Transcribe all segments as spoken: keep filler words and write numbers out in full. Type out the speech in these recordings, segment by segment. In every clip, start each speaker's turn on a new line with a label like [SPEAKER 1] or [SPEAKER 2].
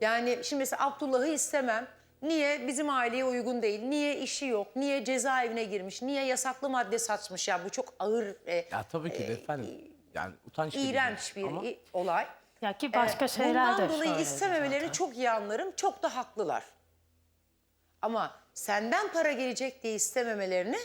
[SPEAKER 1] Yani şimdi mesela Abdullah'ı istemem. Niye? Bizim aileye uygun değil. Niye işi yok? Niye cezaevine girmiş? Niye yasaklı madde satmış? Ya bu çok ağır, e,
[SPEAKER 2] Ya tabii ki de
[SPEAKER 1] e,
[SPEAKER 2] efendim. Yani utanç verici
[SPEAKER 1] iğrenç bir
[SPEAKER 2] ama
[SPEAKER 1] i- olay.
[SPEAKER 3] Ya ki başka şeyler de
[SPEAKER 1] Bundan dolayı
[SPEAKER 3] söyledi
[SPEAKER 1] istememelerini
[SPEAKER 3] zaten.
[SPEAKER 1] çok iyi anlarım. Çok da haklılar. Ama senden para gelecek diye istememelerini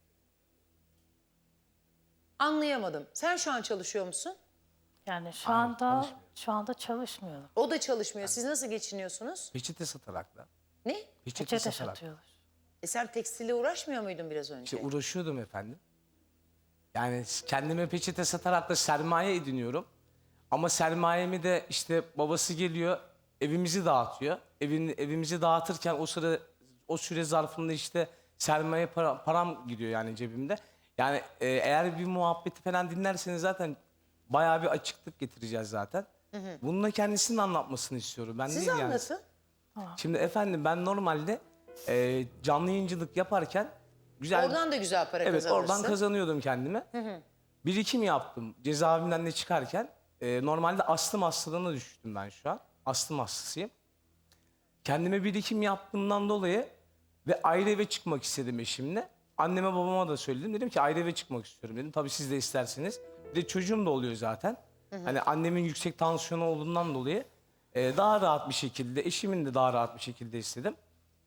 [SPEAKER 1] anlayamadım. Sen şu an çalışıyor musun?
[SPEAKER 3] Yani şu
[SPEAKER 2] Hayır,
[SPEAKER 3] anda
[SPEAKER 2] çalışmıyor.
[SPEAKER 3] şu anda çalışmıyorum.
[SPEAKER 1] O da çalışmıyor. Siz nasıl geçiniyorsunuz?
[SPEAKER 2] peçete satarak da.
[SPEAKER 1] Ne?
[SPEAKER 2] Peçete,
[SPEAKER 3] Peçete
[SPEAKER 2] satarak.
[SPEAKER 3] satıyorlar.
[SPEAKER 1] E sen tekstille uğraşmıyor muydun biraz önce?
[SPEAKER 2] İşte uğraşıyordum efendim. Yani kendime peçete satarak da sermaye ediniyorum. Ama sermayemi de işte babası geliyor, evimizi dağıtıyor. Evin, evimizi dağıtırken o sıra o süre zarfında işte sermaye para, param gidiyor yani cebimde. Yani e, eğer bir muhabbeti falan dinlerseniz zaten bayağı bir açıklık getireceğiz zaten. Bununla kendisinin anlatmasını istiyorum. Ben
[SPEAKER 1] Siz
[SPEAKER 2] değil yani.
[SPEAKER 1] anlatın.
[SPEAKER 2] Şimdi efendim ben normalde e, canlı yayıncılık yaparken güzel...
[SPEAKER 1] Oradan da güzel para
[SPEAKER 2] Evet,
[SPEAKER 1] kazanırsın.
[SPEAKER 2] oradan kazanıyordum kendime. Birikim yaptım cezaevinden de çıkarken. E, normalde astım hastalığına düştüm ben şu an. Astım hastasıyım. Kendime birikim yaptığımdan dolayı ve ayrı eve çıkmak istedim eşimle. Anneme babama da söyledim. Dedim ki ayrı eve çıkmak istiyorum dedim. Tabii siz de isterseniz. Bir de çocuğum da oluyor zaten. Hani annemin yüksek tansiyonu olduğundan dolayı e, daha rahat bir şekilde, eşimin de daha rahat bir şekilde istedim.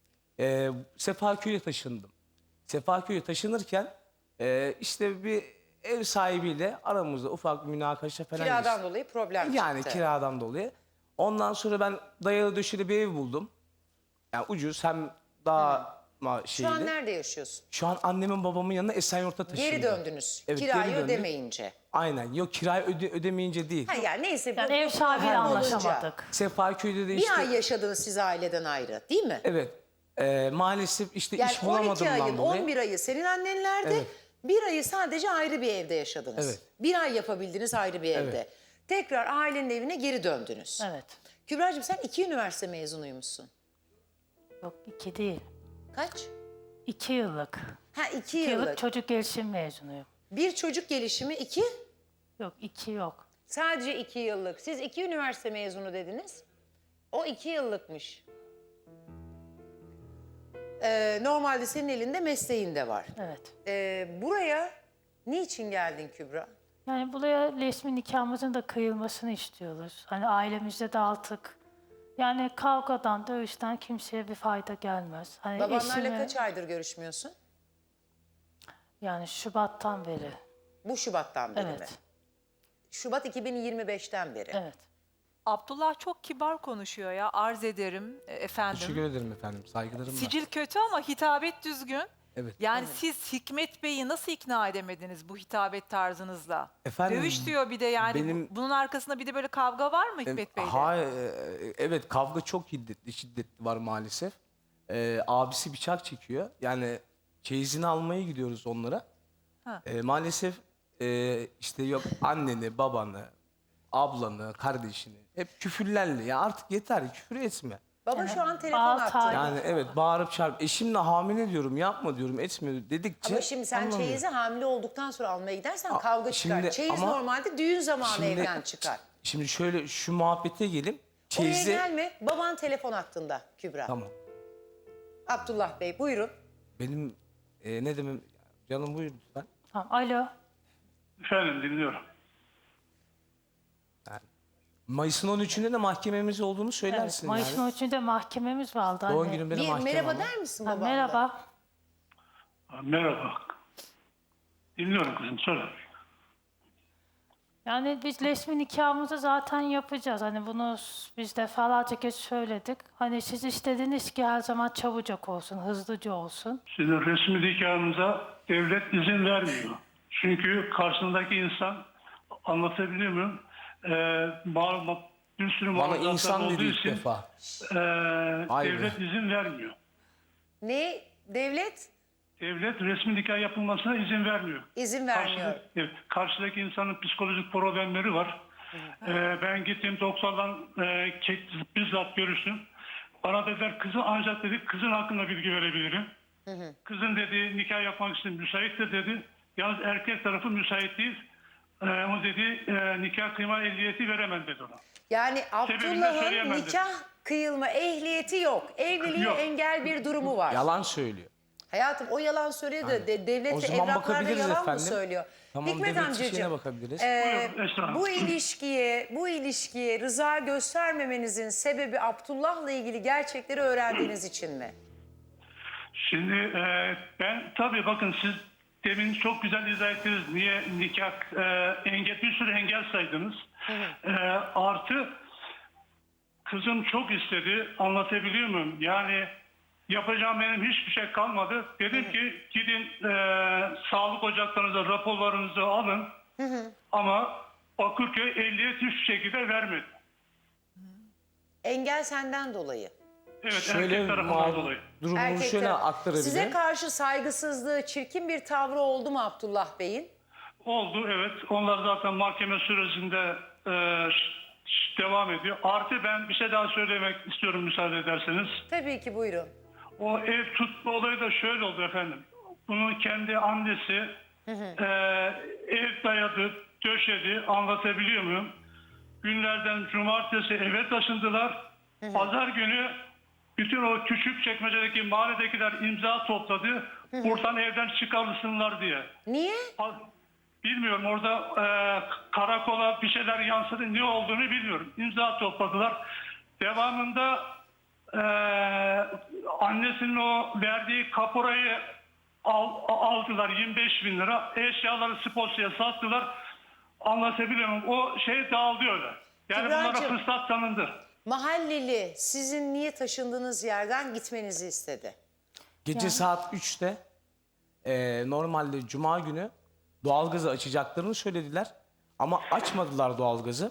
[SPEAKER 2] E, Sefaköy'e taşındım. Sefaköy'e taşınırken e, işte bir ev sahibiyle aramızda ufak bir münakaşa falan
[SPEAKER 1] Kiradan
[SPEAKER 2] geçti.
[SPEAKER 1] dolayı problem
[SPEAKER 2] Yani
[SPEAKER 1] çıktı.
[SPEAKER 2] kiradan dolayı. Ondan sonra ben dayalı döşeli bir ev buldum. Yani ucuz hem daha ma
[SPEAKER 1] Şu
[SPEAKER 2] şeyli.
[SPEAKER 1] an nerede yaşıyorsun?
[SPEAKER 2] Şu an annemin babamın yanına Esenyurt'ta taşındım.
[SPEAKER 1] Geri döndünüz.
[SPEAKER 2] Evet,
[SPEAKER 1] Kirayı
[SPEAKER 2] geri döndük.
[SPEAKER 1] ödemeyince.
[SPEAKER 2] Aynen. Yok kirayı öde ödemeyince değil.
[SPEAKER 1] Ha yani neyse.
[SPEAKER 3] Yani
[SPEAKER 1] bu-
[SPEAKER 3] ev
[SPEAKER 1] bu
[SPEAKER 3] sahibiyle
[SPEAKER 1] problem olunca.
[SPEAKER 3] anlaşamadık.
[SPEAKER 2] Sefaköy'de de
[SPEAKER 1] Bir
[SPEAKER 2] işte...
[SPEAKER 1] ay yaşadınız siz aileden ayrı değil mi?
[SPEAKER 2] Evet. E, maalesef işte
[SPEAKER 1] Yani
[SPEAKER 2] iş
[SPEAKER 1] on iki
[SPEAKER 2] bulamadığımdan
[SPEAKER 1] ayın
[SPEAKER 2] dolayı.
[SPEAKER 1] on bir ayı senin annenlerde,
[SPEAKER 2] Evet.
[SPEAKER 1] bir ayı sadece ayrı bir evde yaşadınız.
[SPEAKER 2] Evet.
[SPEAKER 1] Bir ay yapabildiniz ayrı bir evde.
[SPEAKER 2] Evet.
[SPEAKER 1] Tekrar ailenin evine geri döndünüz.
[SPEAKER 3] Evet.
[SPEAKER 1] Kübra'cığım sen iki üniversite mezunuymuşsun.
[SPEAKER 3] Yok iki değil.
[SPEAKER 1] Kaç?
[SPEAKER 3] İki yıllık.
[SPEAKER 1] Ha iki
[SPEAKER 3] İki
[SPEAKER 1] yıllık.
[SPEAKER 3] yıllık çocuk gelişim mezunuyum.
[SPEAKER 1] Bir çocuk gelişimi iki.
[SPEAKER 3] Yok iki yok.
[SPEAKER 1] Sadece iki yıllık. Siz iki üniversite mezunu dediniz. O iki yıllıkmış. Ee, normalde senin elinde mesleğin de var.
[SPEAKER 3] Evet.
[SPEAKER 1] Ee, buraya niçin geldin Kübra?
[SPEAKER 3] Yani buraya resmi nikahımızın da kıyılmasını istiyoruz. Hani ailemizde de artık yani kavgadan, dövüşten kimseye bir fayda gelmez. Hani
[SPEAKER 1] Babanlarla
[SPEAKER 3] eşime-
[SPEAKER 1] kaç aydır görüşmüyorsun?
[SPEAKER 3] Yani Şubat'tan beri.
[SPEAKER 1] Bu Şubat'tan beri mi?
[SPEAKER 3] Evet.
[SPEAKER 1] Şubat iki bin yirmi beşten beri.
[SPEAKER 3] Evet.
[SPEAKER 4] Abdullah çok kibar konuşuyor ya, arz ederim e, efendim.
[SPEAKER 2] Teşekkür ederim efendim. Saygılarım var.
[SPEAKER 4] Sicil kötü ama hitabet düzgün.
[SPEAKER 2] Evet.
[SPEAKER 4] Yani siz Hikmet Bey'i nasıl ikna edemediniz bu hitabet tarzınızla?
[SPEAKER 2] Efendim,
[SPEAKER 4] Dövüş diyor bir de yani.
[SPEAKER 2] benim-
[SPEAKER 4] Bu- Bunun arkasında bir de böyle kavga var mı Hikmet Bey'le?
[SPEAKER 2] Hayır, e, evet kavga çok şiddetli, şiddetli var maalesef. Ee, abisi bıçak çekiyor. Yani çeyizini almaya gidiyoruz onlara.
[SPEAKER 4] Ha.
[SPEAKER 2] Ee, maalesef e, işte yok anneni, babanı, ablanı, kardeşini hep küfürlerle. Ya artık yeter küfür etme.
[SPEAKER 1] Baba şu an telefon
[SPEAKER 3] Bağ-
[SPEAKER 1] attı.
[SPEAKER 2] Yani evet bağırıp çağırıp eşimle hamile diyorum yapma diyorum etmiyor dedikçe.
[SPEAKER 1] Ama şimdi sen
[SPEAKER 2] anlamıyor.
[SPEAKER 1] çeyizi hamile olduktan sonra almaya gidersen
[SPEAKER 2] Aa,
[SPEAKER 1] kavga çıkar.
[SPEAKER 2] şimdi
[SPEAKER 1] Çeyiz
[SPEAKER 2] ama-
[SPEAKER 1] normalde düğün zamanı
[SPEAKER 2] Şimdi-
[SPEAKER 1] evden çıkar.
[SPEAKER 2] Şimdi şöyle şu muhabbete gelin. Çeyizi...
[SPEAKER 1] Oraya gelme. Baban telefon hattında Kübra.
[SPEAKER 2] Tamam.
[SPEAKER 1] Abdullah Bey buyurun.
[SPEAKER 2] Benim e, ne demem canım buyur lütfen.
[SPEAKER 3] Tamam. Alo.
[SPEAKER 5] Efendim dinliyorum.
[SPEAKER 2] Mayıs'ın on üçünde de mahkememiz olduğunu
[SPEAKER 3] Evet.
[SPEAKER 2] söylersin
[SPEAKER 3] Mayıs'ın
[SPEAKER 2] yani.
[SPEAKER 3] üçünde mahkememiz vardı.
[SPEAKER 2] Doğum
[SPEAKER 3] Hani.
[SPEAKER 2] günümde de
[SPEAKER 1] Bir
[SPEAKER 2] mahkeme
[SPEAKER 1] merhaba
[SPEAKER 2] var.
[SPEAKER 1] der misin
[SPEAKER 3] Ha,
[SPEAKER 1] babamla?
[SPEAKER 3] merhaba.
[SPEAKER 5] Ha, Merhaba. Dinliyorum kızım söyle.
[SPEAKER 3] Yani biz resmi nikahımızı zaten yapacağız. Hani bunu s- biz defalarca kez söyledik. Hani siz istediniz ki her zaman çabucak olsun, hızlıca olsun.
[SPEAKER 5] Sizin resmi nikahınıza devlet izin vermiyor. Çünkü karşısındaki insan anlatabiliyor muyum? Ee, ma- bir sürü
[SPEAKER 2] Bana
[SPEAKER 5] mağduriyatlar
[SPEAKER 2] insan
[SPEAKER 5] olduğu
[SPEAKER 2] dedi ilk
[SPEAKER 5] için
[SPEAKER 2] defa.
[SPEAKER 5] e,
[SPEAKER 2] Vay be.
[SPEAKER 5] devlet izin vermiyor.
[SPEAKER 1] Ne? Devlet
[SPEAKER 5] Devlet resmi nikah yapılmasına izin vermiyor.
[SPEAKER 1] izin vermiyor.
[SPEAKER 5] Karşıdaki, evet, karşıdaki insanın psikolojik problemleri var. Ee, ben gittim doktorla e, ke- bizzat görüştüm. Bana dediler kızı ancak dedi kızın hakkında bilgi verebilirim. Kızın dedi nikah yapmak için müsaittir dedi. Yalnız erkek tarafı müsait değil. Ee, o dedi e, nikah kıyma ehliyeti veremem dedi ona.
[SPEAKER 1] Yani
[SPEAKER 5] Sebebini de
[SPEAKER 1] Abdullah'ın
[SPEAKER 5] söyleyemem
[SPEAKER 1] nikah kıyılma ehliyeti yok. Evliliğe
[SPEAKER 5] Yok.
[SPEAKER 1] engel bir durumu var.
[SPEAKER 2] Yalan söylüyor.
[SPEAKER 1] Hayatım o yalan söylüyor da de, devlet
[SPEAKER 2] O
[SPEAKER 1] ve
[SPEAKER 2] zaman
[SPEAKER 1] evraklarda
[SPEAKER 2] bakabiliriz
[SPEAKER 1] yalan mı
[SPEAKER 2] efendim.
[SPEAKER 1] söylüyor?
[SPEAKER 2] Tamam,
[SPEAKER 1] Hikmet
[SPEAKER 2] devlet
[SPEAKER 1] amcacığım,
[SPEAKER 2] işine bakabiliriz.
[SPEAKER 1] e,
[SPEAKER 5] Buyurun, Esra Hanım.
[SPEAKER 1] bu ilişkiye, bu ilişkiye rıza göstermemenizin sebebi Abdullah'la ilgili gerçekleri öğrendiğiniz için mi?
[SPEAKER 5] Şimdi e, ben tabii bakın siz demin çok güzel izah ettiniz. Niye nikah e, engel bir sürü engel saydınız. E, artı kızım çok istedi. Anlatabiliyor muyum? Yani yapacağım benim hiçbir şey kalmadı. Dedim ki gidin e, sağlık ocaklarınıza raporlarınızı alın. Ama Bakırköy ehliyet hiçbir şekilde vermedi.
[SPEAKER 1] Engel senden dolayı.
[SPEAKER 5] Evet,
[SPEAKER 2] Şöyle
[SPEAKER 5] erkek tarafından
[SPEAKER 2] mal-
[SPEAKER 5] dolayı.
[SPEAKER 2] durumunu
[SPEAKER 1] Erkek
[SPEAKER 2] şöyle
[SPEAKER 1] tarafı.
[SPEAKER 2] aktarabilirim.
[SPEAKER 1] Size karşı saygısızlığı, çirkin bir tavrı oldu mu Abdullah Bey'in?
[SPEAKER 5] Oldu, evet. Onlar zaten mahkeme sürecinde e, ş- ş- devam ediyor. Artı ben bir şey daha söylemek istiyorum müsaade ederseniz.
[SPEAKER 1] Tabii ki buyurun.
[SPEAKER 5] O ev tutma olayı da şöyle oldu efendim. Bunun kendi annesi e, ev dayadı, döşedi, anlatabiliyor muyum? Günlerden cumartesi eve taşındılar. Pazar günü bütün o küçük çekmecedeki mahalledekiler imza topladı. Buradan evden çıkarılsınlar diye.
[SPEAKER 1] Niye?
[SPEAKER 5] Bilmiyorum, orada e, karakola bir şeyler yansıdı, ne olduğunu bilmiyorum. İmza topladılar. Devamında e, annesinin o verdiği kaporayı al, aldılar, yirmi beş bin lira. Eşyaları Sposya'ya sattılar. Anlatabiliyor muyum? O şey dağıldı öyle. Yani bunlara
[SPEAKER 1] Kübracığım.
[SPEAKER 5] fırsat tanındı.
[SPEAKER 1] Mahalleli sizin niye taşındığınız yerden gitmenizi istedi?
[SPEAKER 2] Gece
[SPEAKER 3] Yani.
[SPEAKER 2] saat üçte e, normalde cuma günü doğalgazı açacaklarını söylediler. Ama açmadılar doğalgazı.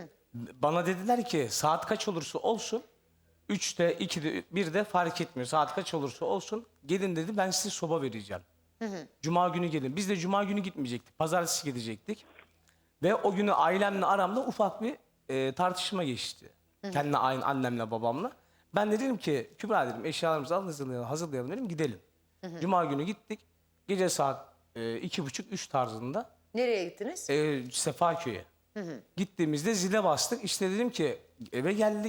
[SPEAKER 2] Bana dediler ki saat kaç olursa olsun üçte, ikide, birde fark etmiyor. Saat kaç olursa olsun gelin dedi, ben size soba vereceğim. Cuma günü gelin. Biz de cuma günü gitmeyecektik. Pazartesi gidecektik. Ve o günü ailemle aramda ufak bir e, tartışma geçti. Kendi aynı annemle babamla. Ben de dedim ki Kübra dedim eşyalarımızı alın, hazırlayalım, hazırlayalım dedim, gidelim. Cuma günü gittik. Gece saat e, iki buçuk üç tarzında
[SPEAKER 1] Nereye gittiniz?
[SPEAKER 2] e, Sefaköy'e. Gittiğimizde zile bastık. İşte dedim ki eve geldik.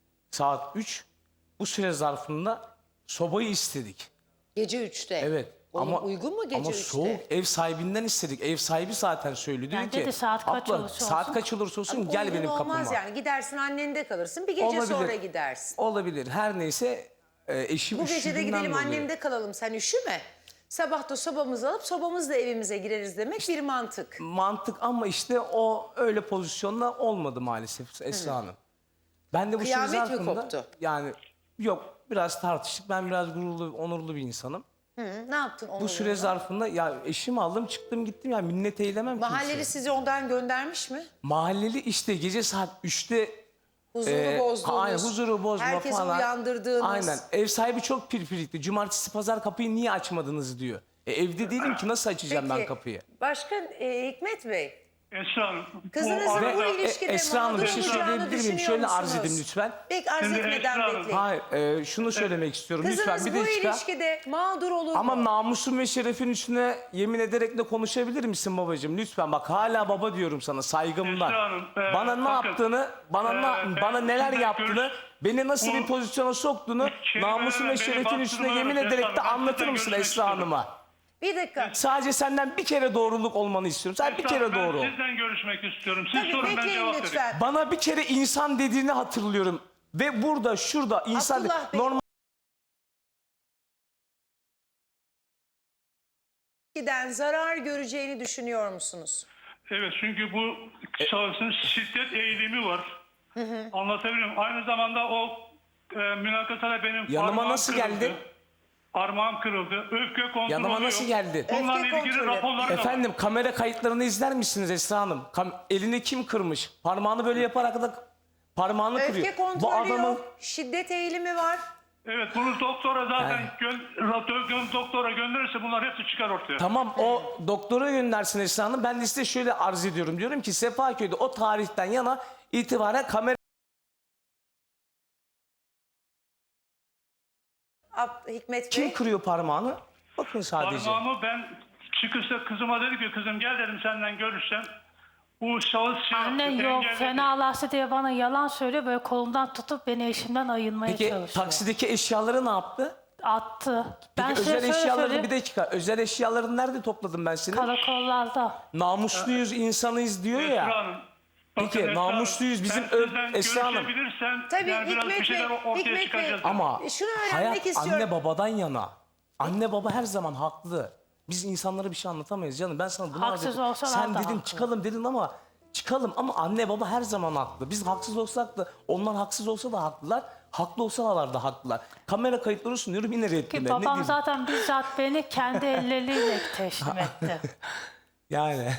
[SPEAKER 2] Saat üç. Bu süre zarfında sobayı istedik.
[SPEAKER 1] Gece üçte.
[SPEAKER 2] Evet.
[SPEAKER 1] Oğlum,
[SPEAKER 2] ama
[SPEAKER 1] uygun mu gece
[SPEAKER 2] ama
[SPEAKER 1] üçte?
[SPEAKER 2] soğuk, ev sahibinden istedik. Ev sahibi zaten söylüyor. Diyor
[SPEAKER 3] Yani
[SPEAKER 2] ki
[SPEAKER 3] dedi, saat kaç
[SPEAKER 2] abla
[SPEAKER 3] olursa
[SPEAKER 2] saat
[SPEAKER 3] olsun."
[SPEAKER 2] kaç olursa olsun
[SPEAKER 1] Ama
[SPEAKER 2] gel
[SPEAKER 1] uygun
[SPEAKER 2] benim kapıma.
[SPEAKER 1] olmaz yani. Gidersin annende kalırsın. Bir gece
[SPEAKER 2] Olabilir.
[SPEAKER 1] sonra gidersin.
[SPEAKER 2] Olabilir. Her neyse e, eşim
[SPEAKER 1] Bu gece de
[SPEAKER 2] üşüdüğünden
[SPEAKER 1] gidelim
[SPEAKER 2] dolayı.
[SPEAKER 1] annemde kalalım, sen üşüme. Sabah da sobamızı alıp sobamızla evimize gireriz demek bir mantık.
[SPEAKER 2] Mantık ama işte o öyle pozisyonda olmadı maalesef Esra Hanım. Ben de bu süre
[SPEAKER 1] Kıyamet mi
[SPEAKER 2] zarfında
[SPEAKER 1] koptu?
[SPEAKER 2] yani yok biraz tartıştık. Ben biraz gururlu, onurlu bir insanım.
[SPEAKER 1] Hı, ne yaptın onun
[SPEAKER 2] Bu süre
[SPEAKER 1] yanında?
[SPEAKER 2] zarfında ya eşimi aldım çıktım gittim ya minnet eylemem
[SPEAKER 1] Mahalleli
[SPEAKER 2] kimseye.
[SPEAKER 1] sizi ondan göndermiş mi?
[SPEAKER 2] Mahalleli işte gece saat üçte
[SPEAKER 1] Huzuru
[SPEAKER 2] e,
[SPEAKER 1] bozdunuz.
[SPEAKER 2] aynen, huzuru bozma
[SPEAKER 1] herkesi
[SPEAKER 2] falan.
[SPEAKER 1] uyandırdığınız.
[SPEAKER 2] Aynen. Ev sahibi çok pirpirikli. Cumartesi pazar kapıyı niye açmadınız diyor. E, evde değilim ki nasıl açacağım ben
[SPEAKER 1] Peki,
[SPEAKER 2] kapıyı?
[SPEAKER 1] Başkan e, Hikmet Bey,
[SPEAKER 5] Esra Hanım,
[SPEAKER 1] kızınızın
[SPEAKER 5] arada-
[SPEAKER 1] bu
[SPEAKER 2] Ve
[SPEAKER 1] ilişkide
[SPEAKER 2] e, Esra Hanım
[SPEAKER 1] mağdur
[SPEAKER 2] bir şey
[SPEAKER 1] olacağını
[SPEAKER 2] söyleyebilir miyim?
[SPEAKER 1] düşünüyor
[SPEAKER 2] Şöyle arz
[SPEAKER 1] musunuz?
[SPEAKER 2] edeyim lütfen.
[SPEAKER 1] Peki arz
[SPEAKER 5] Şimdi
[SPEAKER 1] etmeden
[SPEAKER 5] Esra Hanım-
[SPEAKER 1] bekleyin.
[SPEAKER 2] Hayır e, şunu söylemek istiyorum
[SPEAKER 1] Kızınız
[SPEAKER 2] lütfen bir
[SPEAKER 1] bu
[SPEAKER 2] dakika.
[SPEAKER 1] ilişkide mağdur olur
[SPEAKER 2] Ama
[SPEAKER 1] mu?
[SPEAKER 2] namusum ve şerefin üstüne yemin ederek de konuşabilir misin babacığım? Lütfen bak hala baba diyorum sana saygımdan.
[SPEAKER 5] Esra Hanım, e,
[SPEAKER 2] bana ne
[SPEAKER 5] bakın,
[SPEAKER 2] yaptığını, bana
[SPEAKER 5] e,
[SPEAKER 2] ne,
[SPEAKER 5] ben
[SPEAKER 2] bana neler
[SPEAKER 5] sizinle
[SPEAKER 2] yaptığını,
[SPEAKER 5] görüş-
[SPEAKER 2] beni nasıl
[SPEAKER 5] Bu-
[SPEAKER 2] bir pozisyona soktuğunu
[SPEAKER 5] Kelimelerle
[SPEAKER 2] namusum ve
[SPEAKER 5] beni
[SPEAKER 2] şerefin üstüne
[SPEAKER 5] bastırma
[SPEAKER 2] yemin
[SPEAKER 5] yok
[SPEAKER 2] ederek
[SPEAKER 5] Esra
[SPEAKER 2] de
[SPEAKER 5] Hanım. Ben
[SPEAKER 2] anlatır
[SPEAKER 5] sizden
[SPEAKER 2] mısın
[SPEAKER 5] görüşmek
[SPEAKER 2] Esra
[SPEAKER 5] istiyorum.
[SPEAKER 2] Hanım'a?
[SPEAKER 1] Bir dakika.
[SPEAKER 2] Sadece senden bir kere doğruluk olmanı istiyorum. Sadece bir
[SPEAKER 5] Esra Hanım,
[SPEAKER 2] kere doğru ol.
[SPEAKER 5] Ben sizden görüşmek istiyorum. Siz
[SPEAKER 1] Tabii
[SPEAKER 5] sorun, ben
[SPEAKER 1] bekleyin
[SPEAKER 5] cevap vereyim.
[SPEAKER 1] lütfen.
[SPEAKER 2] Bana bir kere insan dediğini hatırlıyorum. Ve burada, şurada insan
[SPEAKER 1] Abdullah Bey-
[SPEAKER 2] normal
[SPEAKER 1] İlişkiden zarar göreceğini düşünüyor musunuz?
[SPEAKER 5] Evet, çünkü bu şahsın şiddet eğilimi var. Anlatabiliyor muyum? Aynı zamanda o e, mülakata benim
[SPEAKER 2] Yanıma
[SPEAKER 5] parmağım
[SPEAKER 2] nasıl
[SPEAKER 5] kırıldı.
[SPEAKER 2] geldi?
[SPEAKER 5] Parmağım kırıldı. Öfke kontrolü
[SPEAKER 2] Yanıma
[SPEAKER 5] yok.
[SPEAKER 2] nasıl geldi?
[SPEAKER 5] Bunlarla
[SPEAKER 1] Öfke
[SPEAKER 5] ilgili
[SPEAKER 1] kontrolü.
[SPEAKER 5] raporları da var.
[SPEAKER 2] Efendim kamera kayıtlarını izler misiniz Esra Hanım? Kam- elini kim kırmış? Parmağını böyle yaparak da parmağını kırıyor.
[SPEAKER 1] Öfke kontrolü yok, şiddet eğilimi var.
[SPEAKER 5] Evet, bunu doktora zaten
[SPEAKER 2] Yani-
[SPEAKER 5] gön, ra- gön- doktora gönderirse bunlar hepsi çıkar ortaya.
[SPEAKER 2] Tamam o doktora göndersin Esra Hanım. Ben de size şöyle arz ediyorum. Diyorum ki Sefaköy'de o tarihten yana itibaren kamera
[SPEAKER 1] Ab- Hikmet Bey.
[SPEAKER 2] kim kırıyor parmağını? Bakın sadece.
[SPEAKER 5] Parmağımı ben çıkışta kızıma dedi ki kızım gel dedim senden görüşsem. Bu şahıs şey
[SPEAKER 3] Anne
[SPEAKER 5] yaptı,
[SPEAKER 3] yok
[SPEAKER 5] engelledi.
[SPEAKER 3] fenalaştı diye bana yalan söylüyor. Böyle kolumdan tutup beni eşimden ayırmaya
[SPEAKER 2] Peki
[SPEAKER 3] çalışıyor.
[SPEAKER 2] taksideki eşyaları ne yaptı?
[SPEAKER 3] Attı. Ben
[SPEAKER 2] Peki
[SPEAKER 3] size
[SPEAKER 2] özel
[SPEAKER 3] şöyle
[SPEAKER 2] eşyalarını
[SPEAKER 3] söyleyeyim.
[SPEAKER 2] bir dakika. Özel eşyalarını nerede topladım ben seni?
[SPEAKER 3] Karakollarda.
[SPEAKER 2] Namusluyuz, insanıyız diyor
[SPEAKER 5] Esra
[SPEAKER 2] ya.
[SPEAKER 5] Hanım, bakın
[SPEAKER 2] Peki,
[SPEAKER 5] Esra Hanım,
[SPEAKER 2] namusluyuz. Bizim
[SPEAKER 5] ben
[SPEAKER 2] ö-
[SPEAKER 5] sizden
[SPEAKER 2] Esra Hanım.
[SPEAKER 5] görüşebilirsem
[SPEAKER 1] Tabii
[SPEAKER 5] yani biraz bir
[SPEAKER 1] Hikmet
[SPEAKER 5] şeyler
[SPEAKER 1] Bey,
[SPEAKER 5] ortaya
[SPEAKER 1] Hikmet Bey.
[SPEAKER 5] çıkacağız.
[SPEAKER 2] Ama
[SPEAKER 1] E, şunu öğrenmek
[SPEAKER 2] hayat
[SPEAKER 1] istiyorum.
[SPEAKER 2] anne babadan yana. Anne baba her zaman haklı. Biz insanlara bir şey anlatamayız canım. Ben sana bunu
[SPEAKER 3] Haksız
[SPEAKER 2] anlatıyorum.
[SPEAKER 3] olsalar
[SPEAKER 2] Sen
[SPEAKER 3] da
[SPEAKER 2] dedin
[SPEAKER 3] haklı.
[SPEAKER 2] çıkalım dedin ama çıkalım ama anne baba her zaman haklı. Biz haksız olsak da onlar haksız olsa da haklılar. Haklı olsalar da haklılar. Kamera kayıtları sunuyorum yine
[SPEAKER 3] Ki
[SPEAKER 2] reddiler. Ne
[SPEAKER 3] babam
[SPEAKER 2] diyeyim?
[SPEAKER 3] zaten bizzat beni kendi elleriyle teslim etti.
[SPEAKER 2] Yani.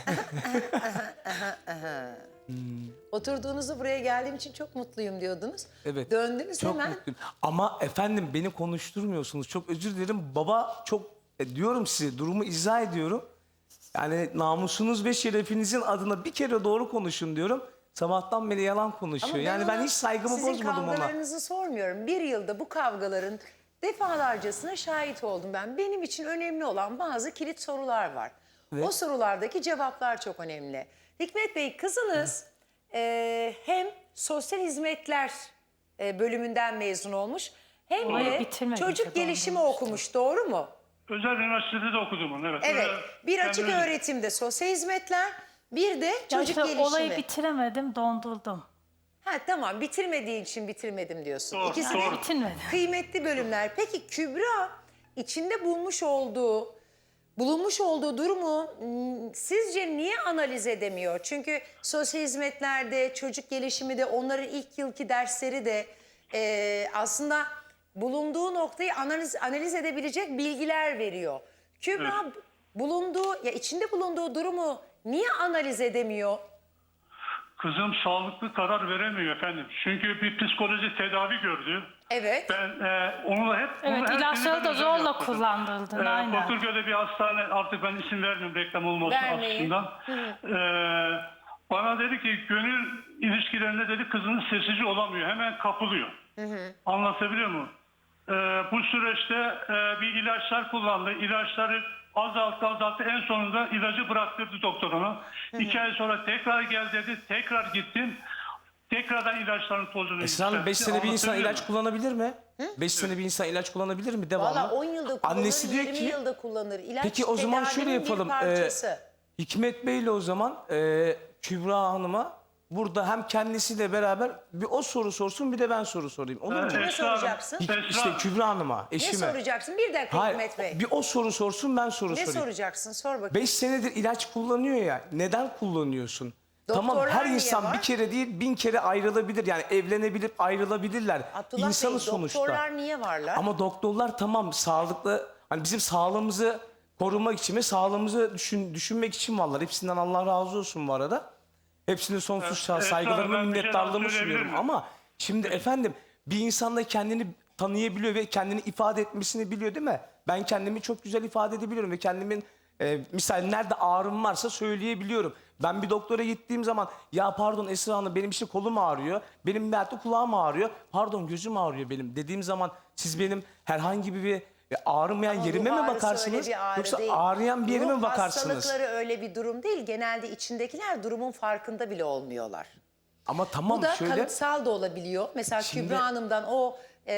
[SPEAKER 1] Oturduğunuzu buraya geldiğim için çok mutluyum diyordunuz.
[SPEAKER 2] Evet.
[SPEAKER 1] Döndünüz
[SPEAKER 2] Çok
[SPEAKER 1] hemen.
[SPEAKER 2] mutluyum. Ama efendim beni konuşturmuyorsunuz. Çok özür dilerim. Baba çok e, diyorum size durumu izah ediyorum. Yani namusunuz ve şerefinizin adına bir kere doğru konuşun diyorum. Sabahtan beri yalan konuşuyor.
[SPEAKER 1] Ama
[SPEAKER 2] yani ben
[SPEAKER 1] ona
[SPEAKER 2] hiç saygımı
[SPEAKER 1] sizin
[SPEAKER 2] bozmadım ona.
[SPEAKER 1] kavgalarınızı sormuyorum. Bir yılda bu kavgaların defalarcasına şahit oldum ben. Benim için önemli olan bazı kilit sorular var.
[SPEAKER 2] Evet.
[SPEAKER 1] O sorulardaki cevaplar çok önemli. Hikmet Bey, kızınız e, hem sosyal hizmetler e, bölümünden mezun olmuş hem
[SPEAKER 3] Hayır,
[SPEAKER 1] de
[SPEAKER 3] bitirmedi,
[SPEAKER 1] çocuk
[SPEAKER 3] çok
[SPEAKER 1] gelişimi
[SPEAKER 3] olmamıştı.
[SPEAKER 1] okumuş, doğru mu?
[SPEAKER 5] Özel üniversitede de okudum onu. Evet.
[SPEAKER 1] Evet.
[SPEAKER 5] Öyle-
[SPEAKER 1] Bir
[SPEAKER 5] ben
[SPEAKER 1] açık
[SPEAKER 5] öyle-
[SPEAKER 1] öğretimde sosyal hizmetler, bir de
[SPEAKER 3] Ya
[SPEAKER 1] çocuk
[SPEAKER 3] işte
[SPEAKER 1] gelişimi.
[SPEAKER 3] olayı bitiremedim, dondurdum.
[SPEAKER 1] Ha tamam, bitirmediğin için bitirmedim diyorsun.
[SPEAKER 5] Doğru,
[SPEAKER 1] İkisi de
[SPEAKER 5] doğru.
[SPEAKER 3] Bitirmedi.
[SPEAKER 1] kıymetli bölümler. Peki Kübra içinde bulmuş olduğu, bulunmuş olduğu durumu m, sizce niye analiz edemiyor? Çünkü sosyal hizmetlerde, çocuk gelişimi de, onların ilk yılki dersleri de e, aslında bulunduğu noktayı analiz analiz edebilecek bilgiler veriyor. Kübra bulunduğu, ya içinde bulunduğu durumu niye analiz edemiyor?
[SPEAKER 5] Kızım sağlıklı karar veremiyor efendim. Çünkü bir psikoloji tedavi gördü.
[SPEAKER 1] Evet.
[SPEAKER 5] Ben e, onu hep...
[SPEAKER 3] Evet,
[SPEAKER 5] onu her
[SPEAKER 3] ilaçları
[SPEAKER 5] sene ben
[SPEAKER 3] da
[SPEAKER 5] özel
[SPEAKER 3] zorla
[SPEAKER 5] yaptırdım.
[SPEAKER 3] kullandırdın,
[SPEAKER 5] Ee,
[SPEAKER 3] aynen.
[SPEAKER 5] Bakırköy'de bir hastane, artık ben isim vermiyorum reklam olması
[SPEAKER 1] Vermeyin.
[SPEAKER 5] açısından. Ee, bana dedi ki gönül ilişkilerinde dedi kızınız sessici olamıyor. Hemen kapılıyor. Anlatabiliyor muyum? Ee, bu süreçte e, bir ilaçlar kullandı. İlaçları azalttı azalttı. En sonunda ilacı bıraktırdı doktor ona. İki ay sonra tekrar gel dedi. Tekrar gittim. Tekrardan ilaçların tozunu
[SPEAKER 2] Esra Hanım beş
[SPEAKER 5] yükseltti.
[SPEAKER 2] sene bir insan
[SPEAKER 5] Anlatabiliyor
[SPEAKER 2] ilaç
[SPEAKER 5] muyum?
[SPEAKER 2] kullanabilir mi? beş sene bir insan ilaç kullanabilir mi devamlı?
[SPEAKER 1] Valla on yılda kullanır,
[SPEAKER 2] Annesi diyor
[SPEAKER 1] yirmi
[SPEAKER 2] ki
[SPEAKER 1] yılda kullanır. İlaç
[SPEAKER 2] peki o zaman şöyle
[SPEAKER 1] tedavinin bir
[SPEAKER 2] yapalım. Ee,
[SPEAKER 1] parçası.
[SPEAKER 2] Hikmet Bey'le o zaman e, Kübra Hanım'a burada hem kendisiyle beraber bir o soru sorsun bir de ben soru sorayım. Olur mu?
[SPEAKER 1] Kime
[SPEAKER 5] Esra Hanım,
[SPEAKER 1] soracaksın?
[SPEAKER 5] Esra
[SPEAKER 2] İşte
[SPEAKER 5] Hanım,
[SPEAKER 2] Kübra Hanım'a,
[SPEAKER 1] Ne
[SPEAKER 2] eşime.
[SPEAKER 1] soracaksın? Bir dakika
[SPEAKER 2] Hayır,
[SPEAKER 1] Hikmet Bey.
[SPEAKER 2] bir o soru sorsun ben soru
[SPEAKER 1] Ne
[SPEAKER 2] sorayım.
[SPEAKER 1] soracaksın? Sor bakayım.
[SPEAKER 2] Beş senedir ilaç kullanıyor ya. Neden kullanıyorsun? Tamam
[SPEAKER 1] Doktorlar
[SPEAKER 2] her
[SPEAKER 1] niye
[SPEAKER 2] insan
[SPEAKER 1] var?
[SPEAKER 2] bir kere değil bin kere ayrılabilir. Yani evlenebilip ayrılabilirler.
[SPEAKER 1] Abdullah
[SPEAKER 2] İnsanı
[SPEAKER 1] Bey,
[SPEAKER 2] sonuçta.
[SPEAKER 1] doktorlar niye varlar?
[SPEAKER 2] Ama doktorlar tamam sağlıklı hani bizim sağlığımızı korumak için ve sağlığımızı düşün, düşünmek için varlar. Hepsinden Allah razı olsun bu arada. Hepsine sonsuz
[SPEAKER 5] Evet,
[SPEAKER 2] saygılarımı,
[SPEAKER 5] ben bir şey daha
[SPEAKER 2] minnettarlığımı
[SPEAKER 5] söyleyebilir
[SPEAKER 2] sunuyorum.
[SPEAKER 5] miyim?
[SPEAKER 2] Ama şimdi efendim bir insan da kendini tanıyabiliyor ve kendini ifade etmesini biliyor değil mi? Ben kendimi çok güzel ifade edebiliyorum ve kendimin e, misal nerede ağrım varsa söyleyebiliyorum. Ben bir doktora gittiğim zaman ya pardon Esra Hanım benim işte kolum ağrıyor, benim belki kulağım ağrıyor, pardon gözüm ağrıyor benim dediğim zaman siz benim herhangi bir e, ağrımayan
[SPEAKER 1] Ama
[SPEAKER 2] yerime
[SPEAKER 1] ruh
[SPEAKER 2] mi
[SPEAKER 1] ağrısı
[SPEAKER 2] bakarsınız
[SPEAKER 1] öyle bir ağrı
[SPEAKER 2] yoksa
[SPEAKER 1] değil.
[SPEAKER 2] ağrıyan bir yerime
[SPEAKER 1] Ruh
[SPEAKER 2] mi bakarsınız?
[SPEAKER 1] hastalıkları öyle bir durum değil. Genelde içindekiler durumun farkında bile olmuyorlar.
[SPEAKER 2] Ama tamam
[SPEAKER 1] Bu da
[SPEAKER 2] şöyle
[SPEAKER 1] kalıtsal da olabiliyor. Mesela
[SPEAKER 2] Şimdi-
[SPEAKER 1] Kübra Hanım'dan o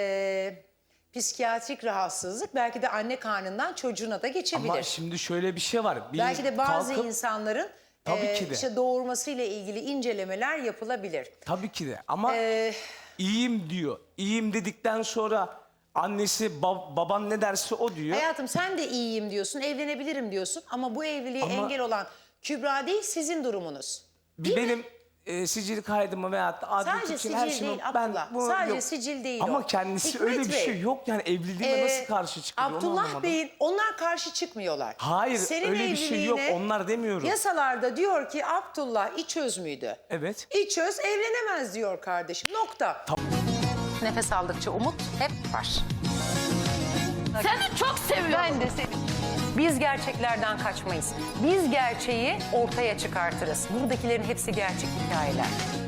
[SPEAKER 1] e, psikiyatrik rahatsızlık belki de anne karnından çocuğuna da geçebilir.
[SPEAKER 2] ama şimdi şöyle bir şey var. Bir
[SPEAKER 1] Belki de bazı
[SPEAKER 2] kalkıp-
[SPEAKER 1] insanların
[SPEAKER 2] Tabii
[SPEAKER 1] e,
[SPEAKER 2] ki de.
[SPEAKER 1] işte doğurmasıyla ilgili incelemeler yapılabilir.
[SPEAKER 2] Tabii ki de ama
[SPEAKER 1] Ee,
[SPEAKER 2] iyiyim diyor. İyiyim dedikten sonra annesi bab- baban ne derse o diyor.
[SPEAKER 1] hayatım sen de iyiyim diyorsun, evlenebilirim diyorsun ama bu evliliğe
[SPEAKER 2] Ama-
[SPEAKER 1] engel olan Kübra değil, sizin durumunuz.
[SPEAKER 2] Bir benim e, sicil kaydımı veyahut da adli
[SPEAKER 1] Sadece
[SPEAKER 2] için her
[SPEAKER 1] sicil
[SPEAKER 2] şeyimi
[SPEAKER 1] değil Abdullah. Sadece sicil değil
[SPEAKER 2] Ama
[SPEAKER 1] o.
[SPEAKER 2] kendisi
[SPEAKER 1] Hikmet
[SPEAKER 2] öyle bir
[SPEAKER 1] Bey,
[SPEAKER 2] şey yok yani evliliğime
[SPEAKER 1] Ee,
[SPEAKER 2] nasıl karşı çıkıyor onu
[SPEAKER 1] Abdullah
[SPEAKER 2] anlamadım.
[SPEAKER 1] Bey'in onlar karşı çıkmıyorlar.
[SPEAKER 2] Hayır
[SPEAKER 1] Senin
[SPEAKER 2] öyle bir şey yok
[SPEAKER 1] evliliğine
[SPEAKER 2] onlar demiyorum.
[SPEAKER 1] Yasalarda diyor ki Abdullah İçöz müydü?
[SPEAKER 2] Evet.
[SPEAKER 1] İçöz evlenemez diyor kardeşim. Nokta. Nefes aldıkça umut hep var.
[SPEAKER 6] Seni çok seviyorum.
[SPEAKER 1] Ben de seni. Biz gerçeklerden kaçmayız. Biz gerçeği ortaya çıkartırız. Buradakilerin hepsi gerçek hikayeler.